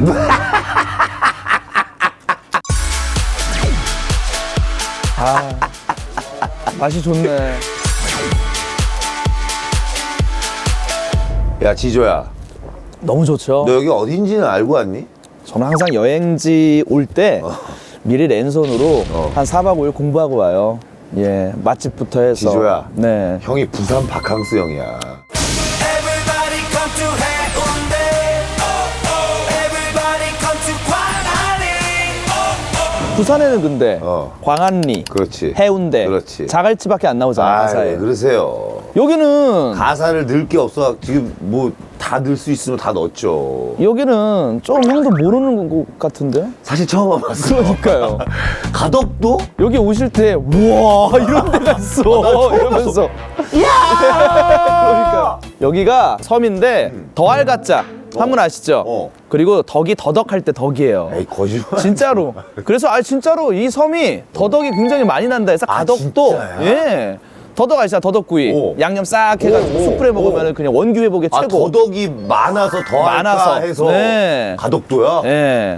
아, 맛이 좋네. 야, 지조야. 너무 좋죠. 너 여기 어딘지는 알고 왔니? 저는 항상 여행지 올 때 미리 랜선으로 한 4박 5일 공부하고 와요. 예, 맛집부터 해서. 지조야. 네. 형이 부산 바캉스 형이야. 부산에는 근데 광안리, 그렇지. 해운대, 그렇지. 자갈치밖에 안 나오잖아, 가사에. 왜 그러세요? 여기는 가사를 넣을 게 없어. 지금 뭐 다 넣을 수 있으면 다 넣었죠. 여기는 좀 형도 모르는 것 같은데? 사실 처음 와봤어. 그러니까요. 가덕도? 여기 오실 때 우와 이런 데가 있어 이러면서 그러니까 여기가 섬인데 더알가짜 한문 아시죠? 그리고 덕이 더덕할 때 덕이에요. 에이, 거짓말. 진짜로. 그래서 진짜로 이 섬이 더덕이 굉장히 많이 난다 해서 가덕도 진짜야? 예. 더덕 아시잖아, 더덕구이. 양념 싹 해가지고 숯불에 먹으면 그냥 원기 회복에 최고. 더덕이 많아서 더 많아서. 할까 해서 네. 가덕도야? 예.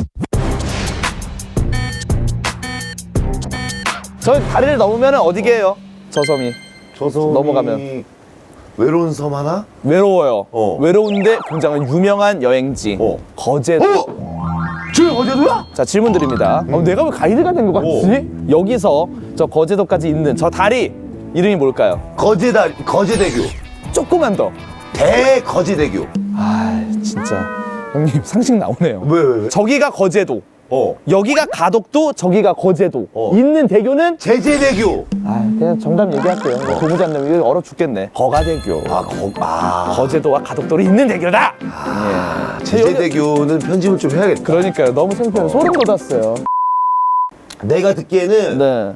저 다리를 넘으면 어디게요? 저 섬이. 저 섬이 넘어가면. 외로운 섬 하나? 외로워요. 외로운데 굉장히 유명한 여행지. 거제도. 저기 거제도야? 자, 질문 드립니다. 내가 왜 가이드가 된 것 같지? 여기서 저 거제도까지 있는 저 다리 이름이 뭘까요? 거제대교. 조금만 더. 대거제대교. 아, 진짜 형님 상식 나오네요. 왜? 저기가 거제도. 여기가 가덕도, 저기가 거제도. 있는 대교는 제재대교. 그냥 정답 얘기할게요. 고무장님 이거 얼어 죽겠네. 거가대교. 거제도와 가덕도로 있는 대교다. 제재대교는 편집을 좀 해야겠다. 그러니까요. 너무 창피해요. 소름 돋았어요. 내가 듣기에는 네.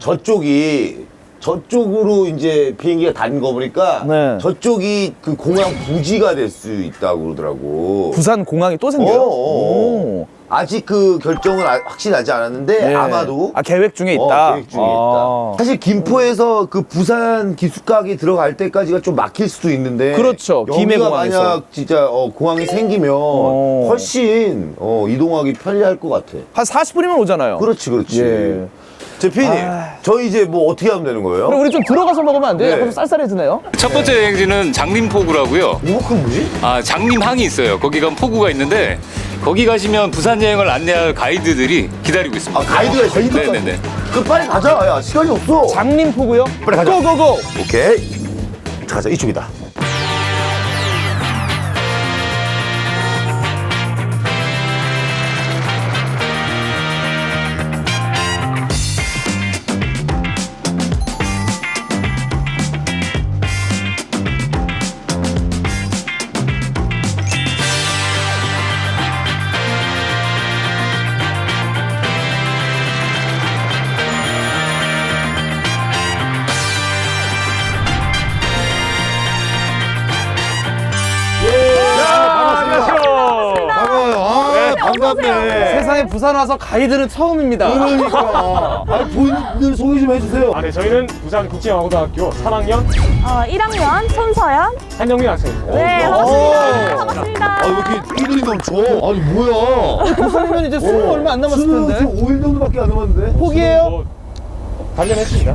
저쪽으로 이제 비행기가 다닌 거 보니까 네. 저쪽이 그 공항 부지가 될 수 있다고 그러더라고. 부산 공항이 또 생겨요? 오. 아직 그 결정은 확실히 나지 않았는데 네. 아마도 계획 중에 있다. 계획 중에 있다. 사실 김포에서 그 부산 기숙각이 들어갈 때까지가 좀 막힐 수도 있는데 그렇죠. 여기가 김해공항에서. 만약 진짜 공항이 생기면 훨씬 이동하기 편리할 것 같아. 한 40분이면 오잖아요. 그렇지. 예. 제 피디님, 저희 이제 뭐 어떻게 하면 되는 거예요? 그럼 우리 좀 들어가서 먹으면 안 돼요? 네. 약간 좀 쌀쌀해지네요. 첫 번째 여행지는 장림포구라고요. 그건 뭐지? 장림항이 있어요. 거기 가면 포구가 있는데 거기 가시면 부산 여행을 안내할 가이드들이 기다리고 있습니다. 가이드가 있어요? 네네네. 그 빨리 가자. 야, 시간이 없어. 장림포구요? 빨리 가자. 고고고! 오케이. 자, 가자. 이쪽이다. 반갑네. 세상에 부산 와서 가이드는 처음입니다. 그러니까. 본인들 소개 좀 해주세요. 네, 저희는 부산국제영화고등학교 3학년 1학년 손서연. 한영민 학생입니다. 네, 반갑습니다. 반갑습니다. 왜 이렇게 끼들이 넘쳐? 아니, 뭐야. 부산이면 이제 수능 얼마 안 남았을 수능 텐데. 5일 정도밖에 안 남았는데? 포기해요? 단련했습니다.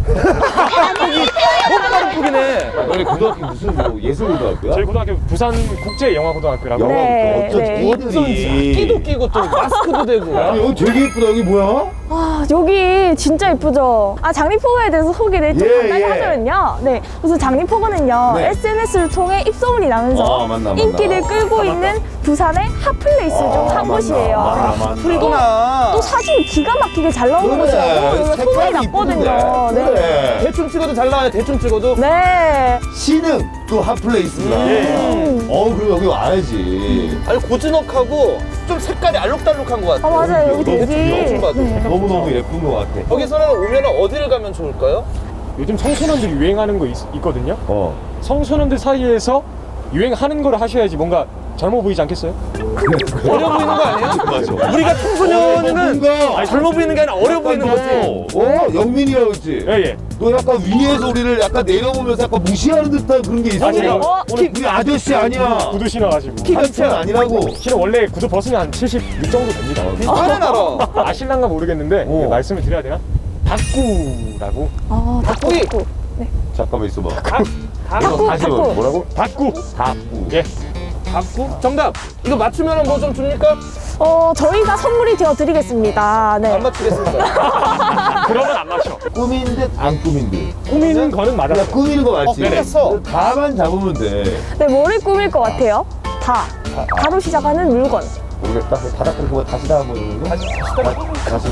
너무 포기네. 너네 고등학교 무슨 뭐 예술고등학교야? 저희 고등학교 부산국제영화고등학교라고. 네, 어쩐지 네. 애들이 끼도 끼고 또 마스크도 되고. 아니, 여기 되게 예쁘다. 여기 뭐야? 여기 진짜 예쁘죠? 장림포구에 대해서 소개를 좀 예, 간단히 예. 하자면요. 네, 우선 장림포구는요, 네. SNS를 통해 입소문이 나면서 맞나. 인기를 끌고 있는 부산의 핫플레이스 중 한 곳이에요. 그리고 또 사진이 기가 막히게 잘 나오는 그래, 곳이라고 여기가 소문이 색깔이 났거든요. 이쁜데. 네. 그래. 대충 찍어도 잘 나와요. 대충 찍어도. 네. 신흥 또 핫플레이스구나. 그럼 여기 와야지. 아니 고즈넉하고 좀 색깔이 알록달록한 것 같아요. 맞아요. 여기 되게. 대충 봐도. 너무너무 예쁜 것 같아. 여기서는 오면 어디를 가면 좋을까요? 요즘 청소년들이 유행하는 거 있거든요. 청소년들 사이에서 유행하는 걸 하셔야지 뭔가 젊어 보이지 않겠어요? 어려 보이는 거 아니에요? 맞아. 우리가 청소년이면 뭔가 젊어 보이는 게 아니라 어려 보이는 거지. 영민이라고 했지? 예. 너 약간 위에서 우리를 약간 내려보면서 약간 무시하는 듯한 그런 게 있어. 제가 오늘 우리 아저씨 아니야. 구두 신어가지고. 한참 아니라고. 키는 원래 구두 벗으면 한 76 정도 됩니다. 비슷하네 나랑. 아실랑가 모르겠는데 말씀을 드려야 되나? 닭구라고. 아, 닭고기. 닭고. 잠깐만 있어봐. 닭구, 다시 닭구. 뭐라고? 닭구. 닭구. 예. 닭고? 정답. 이거 맞추면 뭐 좀 줍니까? 저희가 선물이 되어 드리겠습니다. 네. 안 맞추겠습니다. 그러면 안 맞춰. 꾸민 듯 안 꾸민 듯. 꾸미는 거는 맞았어. 야, 꾸미는 거 맞지? 그랬어. 다만 잡으면 돼. 네, 뭐를 꾸밀 것 같아요? 다로 시작하는 물건. 모르겠다. 바닥 그렇게 다시 다 한번 해보는 거? 다시.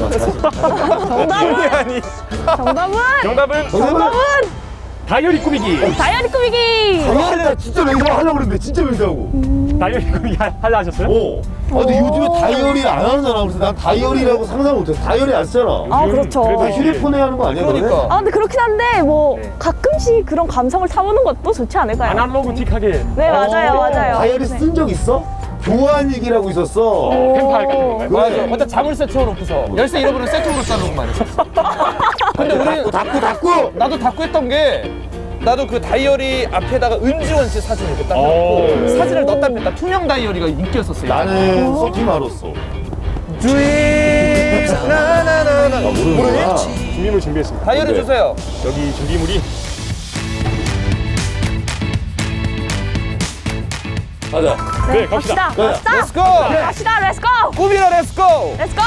정답은? 정답은 정답은? 다이어리 꾸미기. 다이어리 꾸미기! 나 진짜 맹세하고 하려고 그랬는데 진짜 맹세하고. 다이어리 꾸미기 하려 하셨어요? 근데 요즘에 다이어리 안 하잖아. 그래서 난 다이어리라고 상상 못했어. 다이어리 안 쓰잖아. 아, 그렇죠. 그래도 다 휴대폰에 하는 거 아니야? 너네? 그러니까. 근데 그렇긴 한데, 가끔씩 그런 감성을 타보는 것도 좋지 않을까요? 아날로그틱하게. 네, 맞아요. 다이어리 네. 쓴 적 있어? 교환일기라고 있었어. 펜팔 같은 건가요? 그래. 맞아. 자물쇠 채워놓고서 열쇠 잃어버리면 세트로 짜놓고 말했어. 근데 우리 닫고. 나도 닫고 했던 게 나도 그 다이어리 앞에다가 은지원 씨 사진 이렇게 딱 오. 넣고 사진을 넣었다 뺐다 투명 다이어리가 인기였었어요. 나는 써지 말았어. 주인 나나나나 모르는구나. 준비물 준비했습니다. 다이어리 주세요. 여기 준비물이 가자. 네, 갑시다. 갑시다. 렛츠고. 갑시다. 렛츠고! 꾸미라 렛츠고. 렛츠고!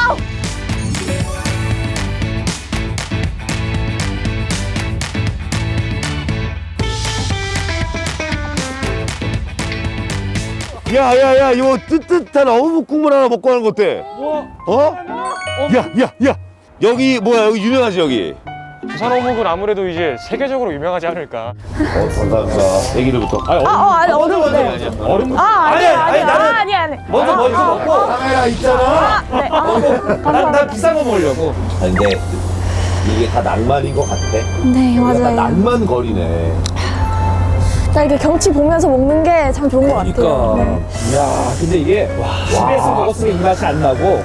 야야야 이거 뜨뜻한 어묵 국물 하나 먹고 가는 거 어때? 어? 야 여기 뭐야 여기 유명하지 여기? 부산 어묵은 아무래도 이제 세계적으로 유명하지 않을까. 감사합니다. 애기들부터. 아니, 얼음. 네. 얼음. 아니. 먼저 먹고. 카메라 있잖아. 네. 난 비싼 거 먹으려고. 근데 이게 다 낭만인 것 같아. 네, 약간 맞아요. 낭만거리네. 이렇게 경치 보면서 먹는 게 참 좋은 것 같아요. 네. 야, 근데 이게 집에서 먹었으면 이 맛이 안 나고.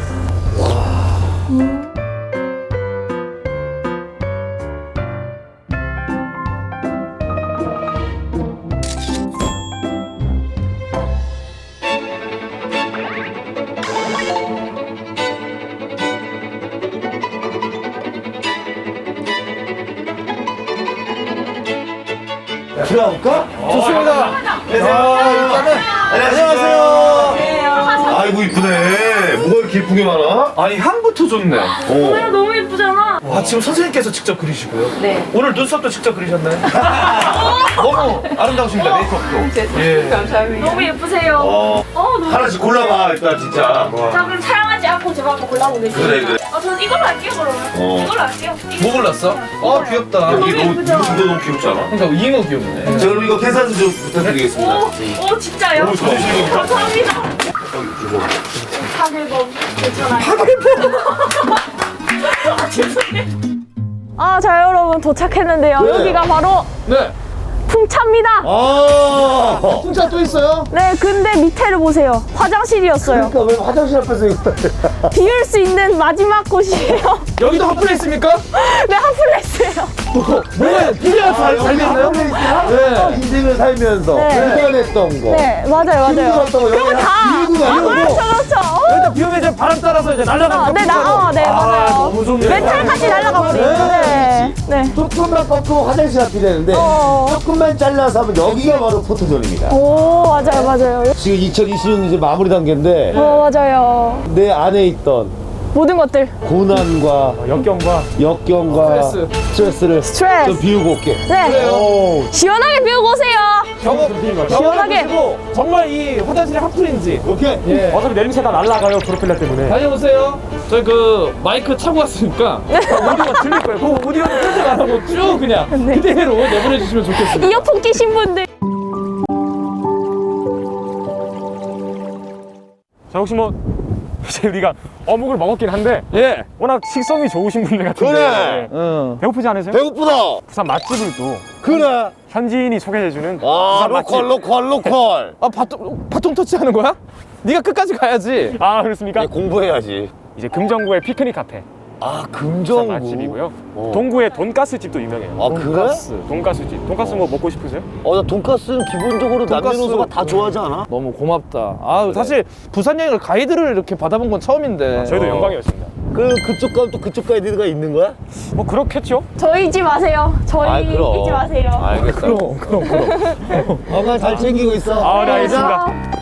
들어갈까? 좋습니다. 안녕하세요. 아이고 이쁘네. 뭐가 이렇게 예쁘게 많아? 아니 향부터 좋네. 너무 예쁘잖아. 아 지금 선생님께서 직접 그리시고요? 네. 오늘 눈썹도 직접 그리셨나요? 너무 아름다우십니다 메이크업도. 예. 감사합니다. 너무 예쁘세요. 너무 하나씩 골라봐 일단 진짜. 자, 그럼 사랑하지 않고 제가 한번 골라보겠습니다. 그래. 저는 이걸로 할게요, 그러면. 이걸로 할게요. 뭐 골랐어? 귀엽다. 이게 너무 너무 귀엽지 않아? 그러니까 이모 귀엽네. 자 그럼 이거 계산 좀 부탁드리겠습니다. 오, 진짜요? 오, 좋아. 감사합니다. 파괴범 괜찮아요. 자, 여러분 도착했는데요. 네. 여기가 바로 네. 풍차입니다. 아. 진짜 또 있어요? 네, 근데 밑에를 보세요. 화장실이었어요. 그러니까 왜 화장실 앞에서 이거? 비울 수 있는 마지막 곳이에요. 여기도 핫플레이스입니까? 네, 핫플레스예요. 뭐가 비례가 잘 됐나요? 네. 인생을 살면서 네. 불편했던 거. 네, 맞아요. 힘들었던 거 그거 여기 다. 비우고 가는 거고. 그렇죠. 일단 비 오면 이제 바람 따라서 이제 날아가는 네, 네, 맞아요. 너무 좋네. 멘탈까지 날아가 버리는. 네. 네. 조금만 꺾고 화장실 앞이 되는데 어. 조금만 잘라서 하면 여기가 바로 포토존입니다. 오, 맞아요. 지금 2020년 이제 마무리 단계인데 맞아요. 내 안에 있던 모든 것들. 고난과 역경과 역경과 스트레스를 스트레스. 좀 비우고 올게. 네. 오. 시원하게 비우고 오세요. 시원하게. 정말 이 화장실이 핫플인지. 오케이. 예. 어차피 내림새 다 날라가요 프로펠러 때문에. 다녀오세요. 저희 그 마이크 차고 왔으니까 오디오가 들릴 거예요. 그 오디오는 편집 안 하고 쭉 그냥 그대로 내보내주시면 좋겠습니다. 이어폰 끼신 분들. 자, 혹시 뭐 이제 우리가 어묵을 먹었긴 한데 예. 워낙 식성이 좋으신 분들 같은데 그래. 응. 배고프지 않으세요? 배고프다. 부산 맛집을 또 그래. 현지인이 소개해주는 아, 부산 맛집. 로컬. 아, 바통 터치하는 거야? 네가 끝까지 가야지. 아 그렇습니까? 공부해야지. 이제 금정구의 피크닉 카페 아, 부산 금정구. 맛집이고요. 어. 동구의 돈가스 집도 유명해요. 아, 그래? 돈가스 집. 돈가스 뭐 먹고 싶으세요? 나 돈가스는 기본적으로 남녀노소가 다 좋아하지 않아? 너무 고맙다. 아, 사실 부산 여행을 가이드를 이렇게 받아본 건 처음인데. 저희도 영광이었습니다. 그쪽 가면 또 그쪽 가이드가 있는 거야? 뭐 그렇겠죠? 저희 잊지 마세요. 저희 아이, 그럼. 잊지 마세요. 알겠어. 그럼. 잘 챙기고 있어. 아, 네, 알겠습니다.